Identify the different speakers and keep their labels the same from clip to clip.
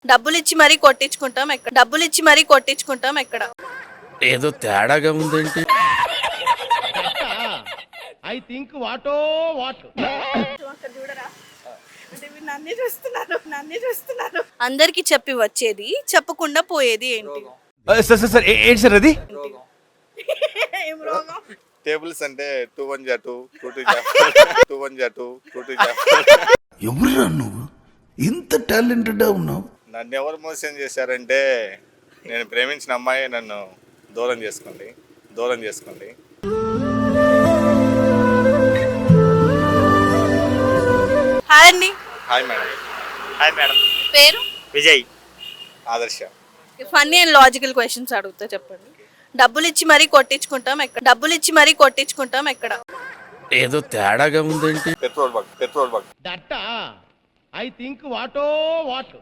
Speaker 1: డబ్బులిచ్చి మరీ కొట్టించుకుంటాం ఎక్కడ.
Speaker 2: ఏదో తేడాగా ఉందేంటి?
Speaker 3: ఐ థింక్ వాటో వాట్
Speaker 1: అక్కడ చూడరా అంటే మీరు నన్నే చూస్తున్నారు. అందరికి చెప్పి వచ్చేది చెప్పకుండా పోయేది ఏంటి?
Speaker 2: సార్ ఏంటి సార్ అది?
Speaker 1: ఏం రోగం?
Speaker 4: టేబుల్స్ అంటే 2 1 జా 2 2 2 జా 2 1 జా 2 2 2 జా.
Speaker 5: ఎవరురా నువ్వు ఇంత టాలెంటెడ్ ఉన్నావు?
Speaker 4: నన్ను ఎవరు మోసం చేశారంటే నేను ప్రేమించిన అమ్మాయి నన్ను దూరం చేసుకోండి.
Speaker 1: హాయ్ అండి.
Speaker 4: Hi madam.
Speaker 1: పేరు?
Speaker 6: విజయ్.
Speaker 4: ఆదర్శ.
Speaker 1: ఫన్నీ అండ్ లాజికల్ క్వశ్చన్స్ అడుగుతా, చెప్పండి. డబ్బులిచ్చి మరీ కొట్టించుకుంటాం ఎక్కడ?
Speaker 2: ఏదో తేడాగా ఉందేంటి?
Speaker 4: Petrol bunk.
Speaker 3: That I think వాటో వాట్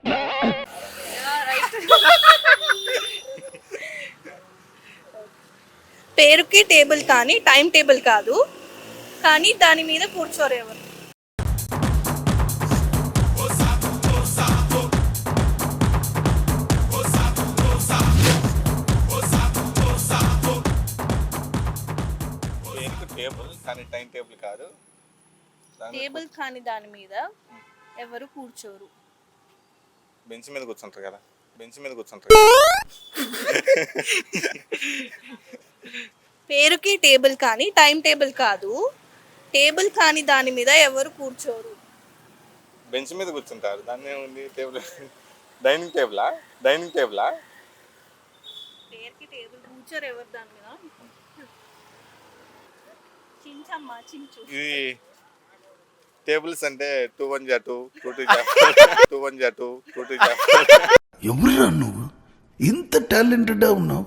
Speaker 1: పేరుకి టేబుల్ కానీ టైం టేబుల్ కాదు, కానీ దాని మీద కూర్చోరు ఎవరు?
Speaker 4: టేబుల్ కానీ టైం టేబుల్ కాదు.
Speaker 1: టేబుల్ కానీ దాని మీద ఎవరు కూర్చోరు.
Speaker 4: బెంచ్ మీద కూర్చుంటారు కదా.
Speaker 1: పేరుకి టేబుల్ కానీ టైం టేబుల్ కాదు, టేబుల్ కానీ దాని మీద ఎవరు కూర్చోరు.
Speaker 4: బెంచ్ మీద కూర్చుంటారు. దాన్ని ఏముంది? టేబుల్. డైనింగ్ టేబులా?
Speaker 1: పేరుకి టేబుల్ కూర్చోరు ఎవరు దాని మీద? చించమ్మా చించు.
Speaker 4: ఇది టేబుల్స్ అంటే 2 1 జా 2 2 2 జా 2 1 జా 2 2 2 జా.
Speaker 5: ఎవరురా నువ్వు ఇంత టాలెంటెడ్ ఉన్నావు?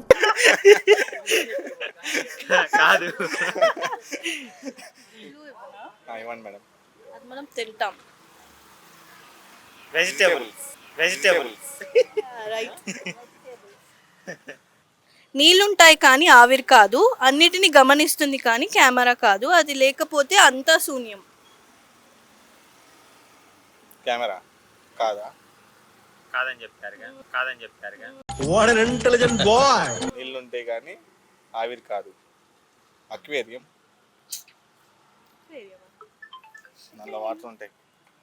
Speaker 6: కాదు.
Speaker 4: ఇవ్వండి మేడం.
Speaker 1: అది మనం తింటాం.
Speaker 6: వెజిటేబుల్స్.
Speaker 1: రైట్. నీళ్ళుంటాయి కానీ ఆవిరి కాదు, అన్నిటిని గమనిస్తుంది కానీ కెమెరా కాదు, అది లేకపోతే అంతా శూన్యం.
Speaker 4: కెమెరా కాదా?
Speaker 6: కాదని చెప్తారుగా.
Speaker 3: What an intelligent boy.
Speaker 4: నీళ్ళు ఉంటాయి కానీ ఆవిరి కాదు. అక్వేరియం. నల్ల వాటర్ ఉంటాయి.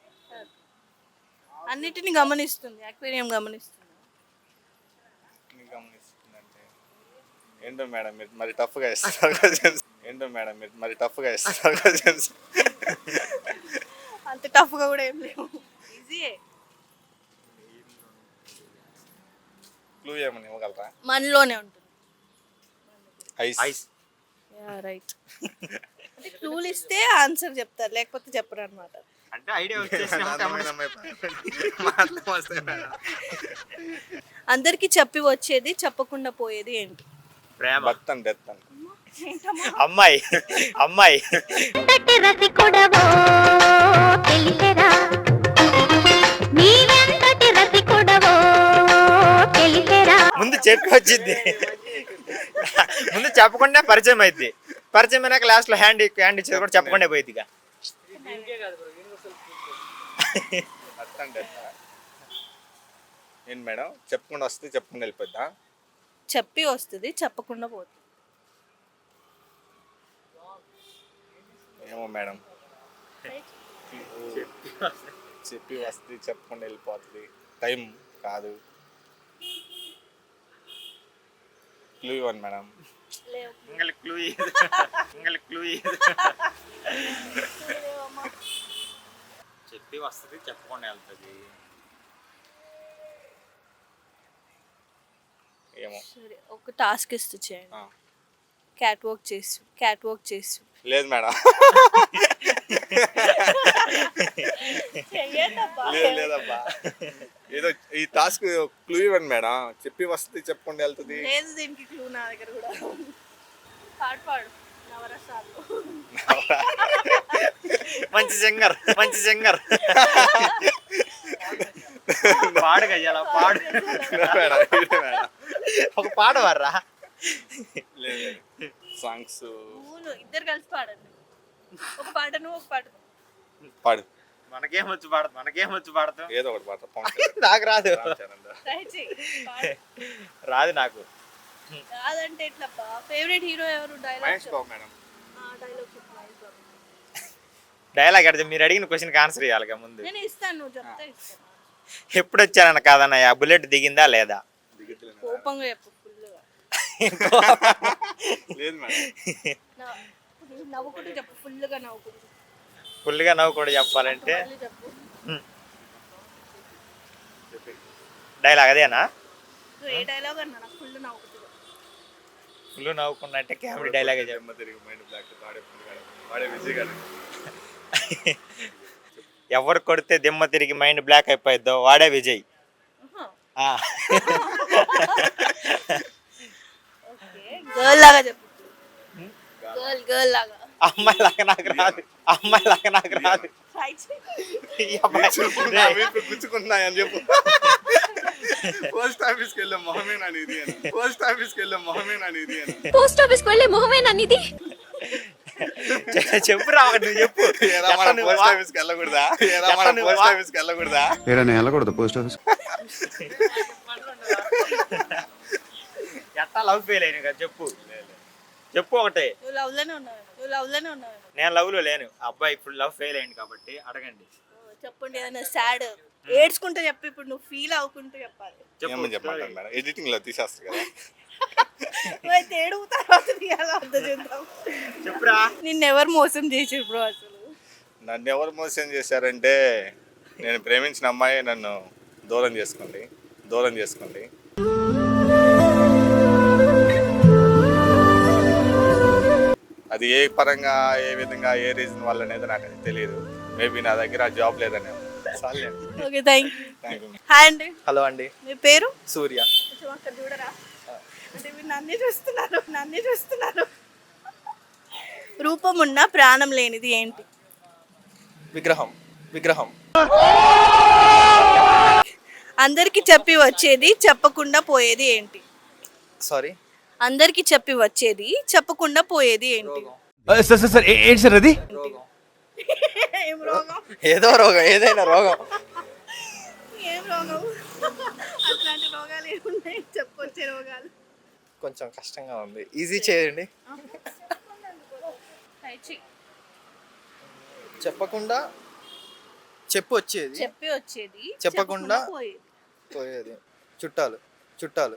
Speaker 1: అన్నిటిని గమనిస్తుంది, అక్వేరియం గమనిస్తుంది.
Speaker 4: గమనిస్తుందంటే ఏంటో మేడం మీరు మరి టఫ్గా ఇస్తారు క్వశ్చన్స్.
Speaker 1: అంత టఫ్గా కూడా ఏం లేవు, ఈజీయే.
Speaker 4: క్లూ ఏమని ఇవ్వగలరా?
Speaker 1: మనలోనే ఉంటుంది.
Speaker 4: ఐస్.
Speaker 1: రైట్. అంటే క్లూలు ఇస్తే ఆన్సర్ చెప్తారు, లేకపోతే చెప్పరు అనమాట.
Speaker 6: అంటే ఐడియా వచ్చేసి
Speaker 1: అందరికి చెప్పి వచ్చేది చెప్పకుండా పోయేది ఏంటి?
Speaker 6: ప్రేమ.
Speaker 4: బర్త్ అండ్ డెత్ అండ్
Speaker 6: అమ్మాయి. ముందు చెప్పి వచ్చింది, ముందు చెప్పకుండా పరిచయం అయింది. పరిచయం అయినాక లాస్ట్ లో హ్యాండ్ ఇచ్చేది కూడా చెప్పకుండా పోయింది. ఇక
Speaker 4: బర్త్ అండ్ డెత్ ఏంటి మేడం? చెప్పకుండా వస్తే చెప్పకుండా వెళ్ళిపోద్దా?
Speaker 1: చెప్పి వస్తుంది చెప్పకుండా పోతుంది.
Speaker 4: ఏమో మేడం. చెప్పి వస్తే చెప్పకుండా వెళ్ళిపోతుంది. టైం కాదు. క్లూ ఇవ్వండి మేడం.
Speaker 6: చెప్పి వస్తుంది చెప్పకుండా వెళ్తుంది.
Speaker 4: ఏమో.
Speaker 1: సరే, ఒక టాస్క్ ఇస్తూ చేయండి. క్యాట్ వాక్ చేస్తూ.
Speaker 4: లేదు మేడం. లేదబ్బా. ఏదో ఈ టాస్క్ క్లూ ఇవ్వండి మేడం. చెప్పి వస్తే చెప్పకుండా వెళ్తుంది.
Speaker 1: లేదు, దీనికి క్లూ నా దగ్గర కూడా. పాడు నవరసాలు.
Speaker 6: మంచి సింగర్. పాడు గయ్యాల పాడు. ఒక పాట వర్రా.
Speaker 4: లేదు సాంగ్స్
Speaker 1: ఇద్దరు కలిసి పాడండి. ఒక పాట నువ్వు, ఒక పాట
Speaker 4: పాడు.
Speaker 6: మనకేం వచ్చి పాడతాం
Speaker 4: ఏదో ఒకటి పాట పవన్ కళ్యాణ్,
Speaker 6: నాకు రాదు
Speaker 4: రామ్ చరణ్ దా.
Speaker 1: ట్రై చెయ్యి పాడు.
Speaker 6: రాదు నాకు.
Speaker 1: కాదంటే ఎట్లా ఫేవరెట్ హీరో ఎవరు?
Speaker 4: Mahesh
Speaker 1: dialogue
Speaker 4: Babu madam.
Speaker 1: Dialogue చెప్పు మహేష్ బాబు.
Speaker 6: డైలాగ్ అడితే మీరు అడిగిన క్వశ్చన్కి ఆన్సర్ ఇవ్వాలిగా ముందు.
Speaker 1: నేను ఇస్తాను, నువ్వు చెప్తే ఇస్తాను.
Speaker 6: ఎప్పుడు వచ్చానన్న కాదన్నయ్య, బుల్లెట్ దిగిందా లేదా?
Speaker 1: కోపంగా చెప్పు ఫుల్గా.
Speaker 4: లేదు మేడం.
Speaker 1: నవ్వుకుంటూ చెప్పు, ఫుల్గా నవ్వుకుంటూ
Speaker 6: ఫుల్గా నవ్వు కూడా చెప్పాలంటే
Speaker 1: మళ్ళీ చెప్పు.
Speaker 6: డైలాగ్ అదేనా?
Speaker 1: నువ్వు ఏ డైలాగ్ అన్నా నాకు ఫుల్ నవ్వుకుంటూ చెప్పు.
Speaker 6: ఫుల్ నవ్వుకున్నా అంటే కామెడీ డైలాగే చెప్పు.
Speaker 4: జన్మ తిరిగి మైండ్ బ్లాక్ వాడే విజయ్ గారు.
Speaker 6: ఎవరు కొడితే దిమ్మ తిరిగి మైండ్ బ్లాక్ అయిపోయిద్దో వాడే విజయ్. ఆ.
Speaker 1: గర్ల్ లాగా చెప్పు. గర్ల్ లాగా.
Speaker 6: అమ్మాయి లాగా నాకు రాదు.
Speaker 1: ట్రై చెయ్యి.
Speaker 6: ఈ అబ్బాయి
Speaker 4: ఇప్పుడు గుచ్చుకుంటున్నాయని చెప్పు. పోస్ట్ ఆఫీస్కి వెళ్ళే మొహమేనా ఇది అని. పోస్ట్ ఆఫీస్కి వెళ్ళే మొహమేనా ఇది అని.
Speaker 7: పోస్ట్ ఆఫీస్ కు వెళ్ళే మొహమేనా ఇది?
Speaker 6: చెప్పురా ఒకటి, నువ్వు చెప్పు.
Speaker 4: ఏరా మనం పోస్ట్ ఆఫీస్కి వెళ్ళకూడదా? ఏరా మనం పోస్ట్ ఆఫీస్కి వెళ్ళకూడదా?
Speaker 5: ఏరా నేను వెళ్ళకూడదు పోస్ట్ ఆఫీస్.
Speaker 6: ఎట్టా లవ్ ఫెయిల్ అయినా కదా చెప్పు. చెప్పు ఒకటే.
Speaker 1: నువ్వు లవ్లోనే ఉన్నావు.
Speaker 6: నేను లవ్ లో లేను. అబ్బాయి ఇప్పుడు లవ్ ఫెయిల్ అయింది కాబట్టి అడగండి.
Speaker 1: చెప్పండి ఏదైనా సాడ్ ఏడ్చుకుంటే చెప్పు. ఇప్పుడు నువ్వు ఫీల్ అవ్వకుంటూ చెప్పాలి.
Speaker 4: ఏమని చెప్పమంటారు మేడం? ఎడిటింగ్ లో తీసేస్తారు కదా.
Speaker 1: అయితే ఏడుపు తర్వాత తీయాలి, అర్థం చేద్దాం.
Speaker 6: చెప్పురా.
Speaker 1: నిన్నెవరు మోసం చేసి ఇప్పుడు అసలు?
Speaker 4: నన్ను ఎవరు మోసం చేశారంటే, నేను ప్రేమించిన అమ్మాయి నన్ను దూరం చేసుకోండి. అది ఏ పరంగా, ఏ విధంగా, ఏ రీజన్ వల్ల అనేది నాకు అది తెలియదు. మేబీ నా దగ్గర జాబ్ లేదనే.
Speaker 1: Okay, thank
Speaker 4: thank you.
Speaker 1: Hi అండి,
Speaker 6: హలో అండి.
Speaker 1: మీ పేరు?
Speaker 6: సూర్య.
Speaker 1: కొంచెం అక్కడ చూడరా, అంటే మీరు నన్నే చూస్తున్నారు. రూపం ఉన్న ప్రాణం లేనిది ఏంటి?
Speaker 6: విగ్రహం.
Speaker 1: అందరికి చెప్పి వచ్చేది చెప్పకుండా పోయేది ఏంటి?
Speaker 6: సారీ.
Speaker 1: అందరికి చెప్పి వచ్చేది చెప్పకుండా పోయేది ఏంటి?
Speaker 2: సార్ ఏంటి సార్ అది?
Speaker 1: ఏం రోగం?
Speaker 6: ఏదో రోగం, ఏదైనా రోగం.
Speaker 1: ఏం రోగం? అట్లాంటి రోగాలు ఏమున్నాయి? చెప్పొచ్చే రోగాలు.
Speaker 6: కొంచెం కష్టంగా ఉంది, ఈజీ చేయండి. చెప్పకుండా చెప్పి వచ్చేది,
Speaker 1: చెప్పి వచ్చేది
Speaker 6: చెప్పకుండా
Speaker 1: పోయేది.
Speaker 6: పోయేది. చుట్టాలు.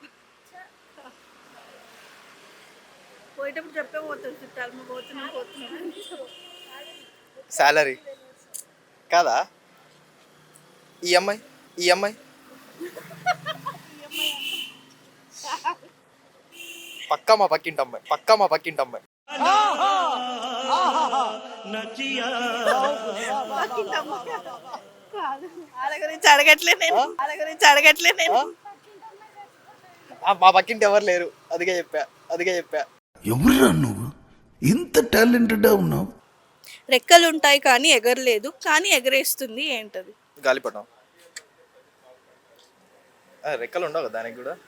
Speaker 1: పోయేటప్పుడు చెప్పే పోతాడు చుట్టాలు, మేము పోతున్నాం.
Speaker 6: శాలరీ కాదా? ఈఎంఐ. పక్కా మా పక్కింటి అమ్మాయి.
Speaker 1: వాళ్ళ గురించి అడగట్లే నేను.
Speaker 6: మా పక్కింటి ఎవరు లేరు, అదిగే చెప్పా.
Speaker 5: ఎవరురా నువ్వు ఇంత టాలెంటెడ్ ఉన్నావు?
Speaker 1: రెక్కలు ఉంటాయి కానీ ఎగరలేదు, కానీ ఎగరేస్తుంది ఏంటది?
Speaker 6: గాలిపటం. రెక్కలు ఉండవు కదా దానికి కూడా.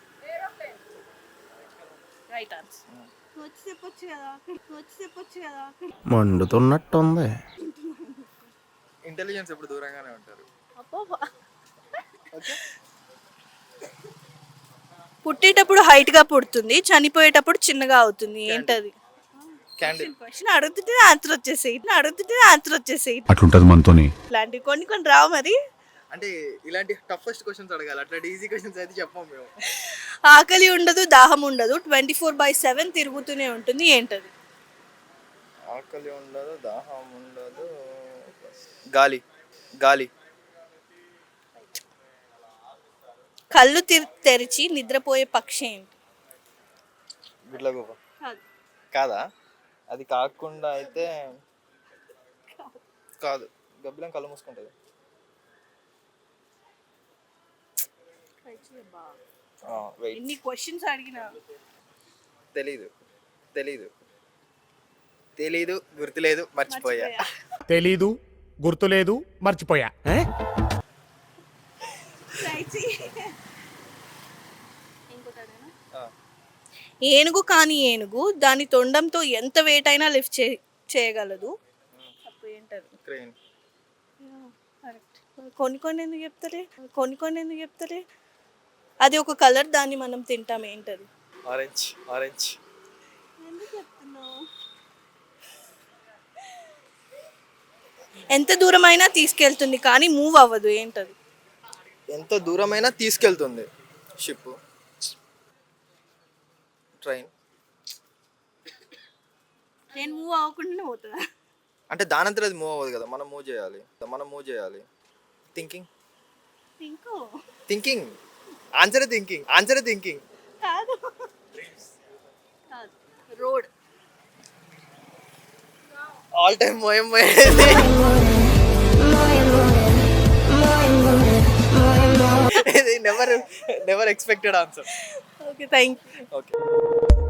Speaker 1: Right answer. వచ్చి చెప్పొచ్చు కదా.
Speaker 2: మండుతున్నట్టుంది.
Speaker 6: ఇంటెలిజెన్స్ ఎప్పుడు దూరంగానే ఉంటారు.
Speaker 1: పుట్టేటప్పుడు హైట్ గా పుడుతుంది, చనిపోయేటప్పుడు చిన్నగా అవుతుంది, ఏంటది?
Speaker 6: క్యాండిల్.
Speaker 1: క్వశ్చన్ అడుగుతుంటే ఆన్సర్ వచ్చేసేయి.
Speaker 5: అట్లుంటది మనతోని.
Speaker 1: ఇలాంటివి కొన్ని రావు మరి.
Speaker 6: అంటే ఇలాంటి టఫెస్ట్ క్వశ్చన్స్ అడగాలి, అట్లాంటి ఈజీ క్వశ్చన్స్ అయితే చెప్పాము మేము.
Speaker 1: ఆకలి ఉండదు, దాహం ఉండదు, 24/7 తిరుగుతూనే ఉంటుంది, ఏంటది?
Speaker 6: ఆకలి ఉండదు, దాహం ఉండదు, గాలి.
Speaker 1: కళ్ళు తెరిచి నిద్రపోయే పక్షి ఏంటి?
Speaker 6: గుడ్లగూబ. కాదా? అది కాకుండా అయితే కాదు. గబ్బిలం కళ్ళు మూసుకుంటుంది.
Speaker 1: ఎన్ని క్వశ్చన్స్ అడిగినా
Speaker 6: తెలీదు, గుర్తులేదు, మర్చిపోయా.
Speaker 3: తెలీదు, గుర్తులేదు, మర్చిపోయా.
Speaker 1: ఏనుగు కాని ఏనుగు దాని తొండంతో ఎంత వెయిట్ అయినా లిఫ్ట్ చేయగలదు, ఏంటది?
Speaker 6: క్రేన్.
Speaker 1: కొన్ని ఎందుకు చెప్తలే ఎందుకు చెప్తలే అది ఒక కలర్, దాన్ని మనం తింటాం, ఏంటది?
Speaker 6: ఆరెంజ్
Speaker 1: ఎందుకు చెప్తున్నావు? ఎంత దూరమైనా తీసుకెళ్తుంది కానీ మూవ్ అవ్వదు, ఏంటది?
Speaker 8: ఎంత దూరమైనా తీసుకెళ్తుంది. Ship, train.
Speaker 1: నేను మూవ్ అవ్వకుండా పోతుందా?
Speaker 8: అంటే దానంతరం అది మూవ్ అవ్వదు కదా, మనం మూవ్ చేయాలి. థింకింగ్ ఆన్సర్ థింకింగ్
Speaker 1: కాదు, రోడ్.
Speaker 8: ఆల్ టైమ్ మోయం never expected answer.
Speaker 1: Okay, thank you.
Speaker 8: Okay.